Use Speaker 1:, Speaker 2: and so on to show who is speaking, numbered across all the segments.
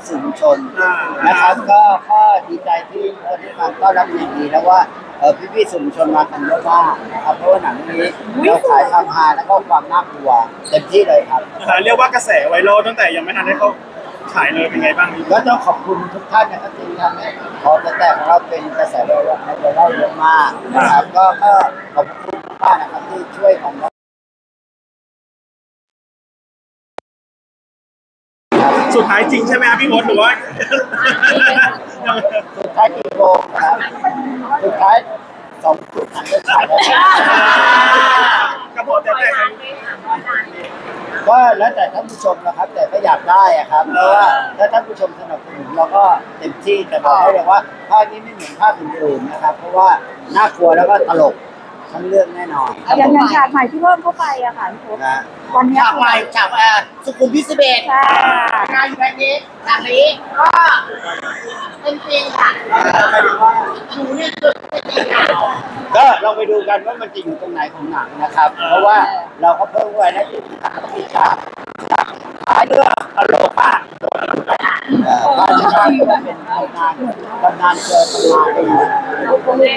Speaker 1: สื่อมวลชนนะครับก็ดีใจที่คนที่มาต้อนรับอย่างดีแล้วว่าพี่ๆสื่อมวลชนมากันเยอะมากนะครับเพราะว่าหนังเรื่องนี้เราขายความฮาแล้วก็ความน่ากลัวเต็มที่เลยครับ
Speaker 2: เรียกว่ากระแสไวรัลตั้งแต่ยังไม่ทันได้เข้าฉายเลยเป็นไงบ้าง
Speaker 1: ก็ต้องขอบคุณทุกท่านนะครับที่ทำให้ขอแต่ของเราเป็นกระแสไวรัลเยอะมากนะครับก็ขอบคุณมากนะครับที่ช่วยของเรา
Speaker 2: สุดท้ายจริงใช่ไหมครับพี่มดหรือว่า
Speaker 1: สุดท้ายกี่โมงครับสุดท้าย2 ทุ่มจะฉายแล้ว
Speaker 2: กระโดดแต่
Speaker 1: ก็แล้วแต่ท่านผู้ชมนะครับแต่ก็อยากได้อะครับเพราะว่าถ้าท่านผู้ชมสนับสนุนเราก็เต็มที่แต่บอกให้เลยว่าภาคนี้ไม่เหมือนภาคอื่นๆนะครับเพราะว่าน่ากลัวแล้วก็ตลกทั้งเรื่องแน่นอน
Speaker 3: อย่างฉากใหม่ที่เพิ่มเข้าไปอะค่ะพี่พศวันนี้
Speaker 4: ฉากใหม่ฉากสุขุมวิท11งานอยู่แบบนี้ฉากนี้ก็เป็นจริงค่ะหนูเนี่ยคือ
Speaker 1: ก็เราไปดูกันว่ามันจะอยู่ตรงไหนของหนังนะครับเพราะว่าเราก็เพิ่มไว้นะที่มีฉากท้ายเรื่องตลกมากการจะได้เป็นตำนานเจอตำนานเลย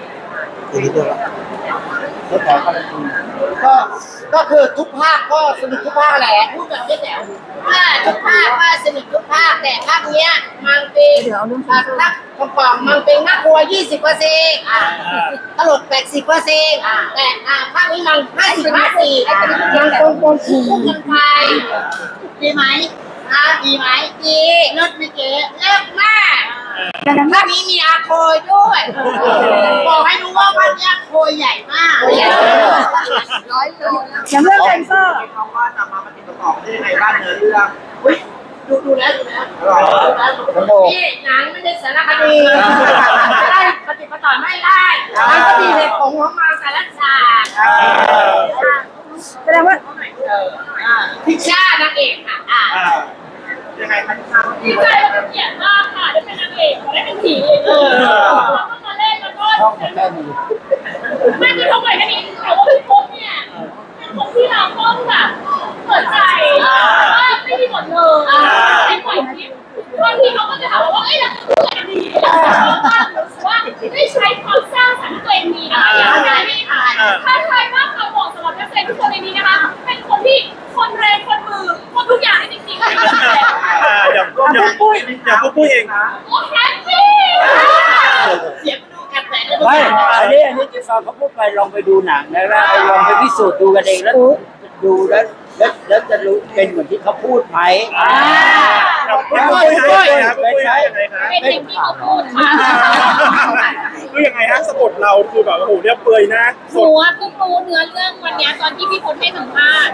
Speaker 4: ก็คือทุกภาคก็สนุกทุกภาคแหละพูดแบบไม่แจ๋วทุกภาคว่าสนุกทุกภาคแต่ภาคเนี้ยมันเป็นภาคกล่องมันเป็นน่ากลัว 20%ตลก 80%แต่ภาคนี้มัน50-50ยังคงคู่กันไปดีไหมดีไหมดีเลิศไม่เก๋เลิศมากภาคนี้มีอาโคยด้วยบอกให้รู้ว่าภาคนี้อาโคยใหญ่มาก100 โล
Speaker 3: อย่างเรื่องเซนเซอร์
Speaker 4: เขาว่าจะมาปฏิบัติต่อได้ยังไงบ้างเนื้อเรื่องดูแล้วนี่หนังไม่ได้สารคดีได้ปฏิบัติต่อไม่ได้มันก็มีเหตุผลของมันแต่ละฉาก
Speaker 3: แสดงว่า
Speaker 4: พิชชานางเอกค่ะยังไงคะพิชชา
Speaker 5: ดีใจและเป็นเกียรติมากค่ะได้เป็นนางเอกได้เป็นผีแล้วก็มาเล่นแล้วก็
Speaker 1: ช่องแค่นี้
Speaker 5: ไม่คือเขาเปิดแค่นี้แต่ว่าพี่พงษ์เนี่ยเป็นคนที่เราต้องแบบเปิดใจว่าไม่มีหมดเลยในปล่อยคลิปบางทีเขาก็จะถามว่าเอ้ยเราพูดอะไรดีว่าได้ใช้ความสร้างสรรค์ตัวเองมีนะคะอย่างไรไม่ผ่านถ้าใครว่าเขาบอกสำหรับนักแสดงทุกคนในนี้นะคะเป็นคนที่คนแรงคนมือคนทุกอย่างจริงๆ
Speaker 2: อย่าพูดเอง
Speaker 5: โอ้แฮปปี้
Speaker 4: เสียงดูแอบแฝงเลย
Speaker 1: ไม่อันนี้ที่ฟังเขาพูดไปลองไปดูหนังนะแล้วลองไปพิสูจน์ดูกันเองแล้วดูแล้วจะรู้เป็นเหมือนที่เขาพูดไหม
Speaker 5: เป็นอย่างที่เขาพูดค่ะ
Speaker 2: คือยังไงฮะสะกดเราคือแบบโอ้โหเนี่ยเปื่อยนะ
Speaker 5: หนูว่าเพิ่งรู้เนื้อเรื่องวันนี้ตอนที่พี่พลให้สัมภาษณ์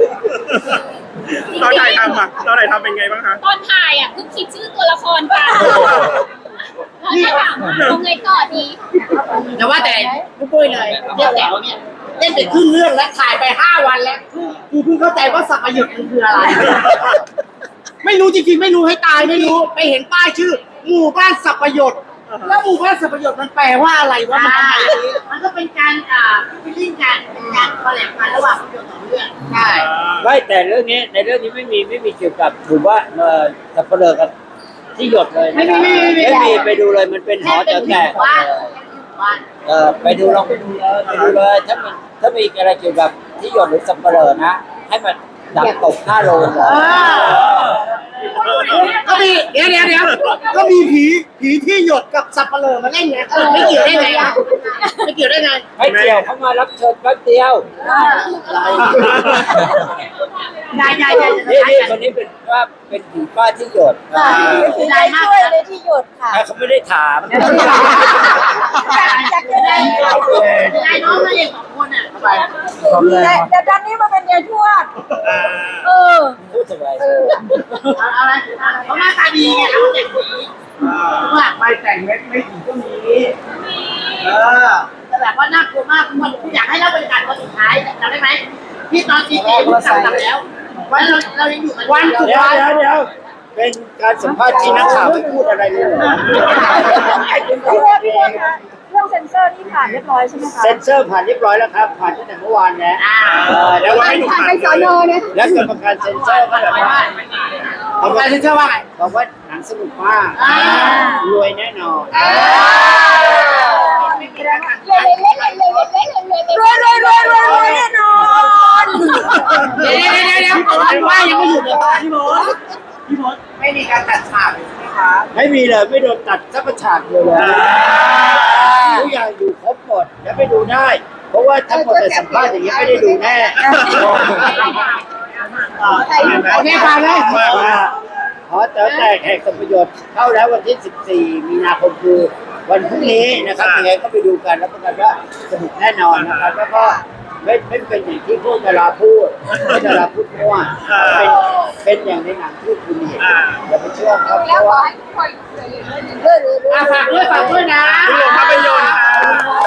Speaker 2: ตอนถ่ายทำเป็นไงบ้างคะ
Speaker 5: ตอนถ่ายเพิ่งคิดชื่อตัวละครกันแล้วถามว่าเอาไงต่อดี
Speaker 4: แต่ว่าแต่ไม่ปุ้ยเลยเจ๊แจ๋วเนี่ยเล่นไปครึ่งเรื่องแล้วถ่ายไป5 วันแล้วคือเพิ่งเข้าใจว่าสัพยศมันคืออะไรไม่รู้จริงๆไม่รู้ให้ตายไม่รู้ไปเห็นป้ายชื่อหมู่บ้านสัพยศแล้วหมู่บ้านสัพยศมันแปลว่าอะไรวะมันก็เป็นการฟิลลิ่งกันเป็นการคอลแลบกันระหว่างภาพยนตร์2 เรื่องใช่
Speaker 1: ไม่แต่ในเรื่องนี้ไม่มีเกี่ยวกับหรือว่าสับเปลือกับที่หยดเลย
Speaker 4: ไม่มี
Speaker 1: ไปดูเลยมันเป็นหอแตกไปดูลองไปดูเลยถ้ามีอะไรเกี่ยวกับที่หยดหรือสับเปลือนะให้มันดับตก5 โล
Speaker 4: ก็มีเดี๋ยวก็มีผีที่หยดกับสับเปลือมาเล่นไงไม่เกี่ยวได้ไงไม่เกี่ยวได้ไง
Speaker 1: ไม่เกี่ยวเขามารับเชิญแป๊บเดียวนี่คนนี้เป็นว่าเป็นผีป้าที่หยด
Speaker 3: ได้ช่วยเลยที่หยดค่ะ
Speaker 1: เขาไม่ได้ถาม
Speaker 3: อยากจะได้
Speaker 4: น้องมาเอง2 คน
Speaker 3: แต่ตอนนี้มาเป็นยายทวด
Speaker 1: พูดสบาย
Speaker 4: อะไรเขาหน้าตาดีไงเขาแต่งผีว่าไม่แต่งไม่ผีก็มีแต่แบบว่าน่ากลัวมากมันอยากให้เล่าบรรยากาศตอนสุดท้ายจำได้ไหมที่ตอนตีคุณสั่งทำแล้ววันเรายังอยู่กันวันสุดท้าย
Speaker 1: เดี๋ยวเป็นการสัมภาษณ์ที่นักข่าวไม่พูดอะไรเลย
Speaker 3: พี่พลคะเรื่องเซนเซอร์นี่ผ่านเรียบร้อยใช่ไหมคะ
Speaker 1: เซนเซอร์ผ่านเรียบร้อยแล้วครับผ่านตั้งแต่เมื่อวานแล้ว
Speaker 3: แล้วผ่านไปสน.เนี่ย
Speaker 1: แล้วกรรมการเซนเซอร์ก็แบบว่า
Speaker 4: บอกว่าเชื่อว่าไง
Speaker 1: บอกว่าหนังสนุกมากรวยแน่นอน
Speaker 4: ไม่มีแล้วค่ะ
Speaker 3: รวยแน่นอน
Speaker 4: เดี๋ยวว่ายังไม่หยุดเลย
Speaker 2: พี่มด
Speaker 4: ไม่มีการตัดฉากใช่ไหมคะ
Speaker 1: ไม่มีเลยไม่โดนตัดสักฉากเลยทุกอย่างอยู่ครบหมดแล้วไปดูได้ เพราะว่าทั้งหมดแต่สัมภาษณ์อย่างนี้ไม่ได้ดูแน่
Speaker 4: โอเคฟังเลย
Speaker 1: ขอแต่แขกสมประโยชน์เข้าแล้ววันที่ 14 มีนาคมคือวันพรุ่งนี้นะครับยังไงก็ไปดูกันแล้วกันว่าสนุกแน่นอนนะครับแล้วก็ไม่เป็นอย่างที่พวกดาราพูดไม่ดาราพูดมั่วเป็นอย่างในหนังที่คุณเห็นอย่าไปเชื่อครับเพราะว่า
Speaker 4: ฝากด้วยนะ
Speaker 2: พี่ลงภาพยนตร์ค่ะ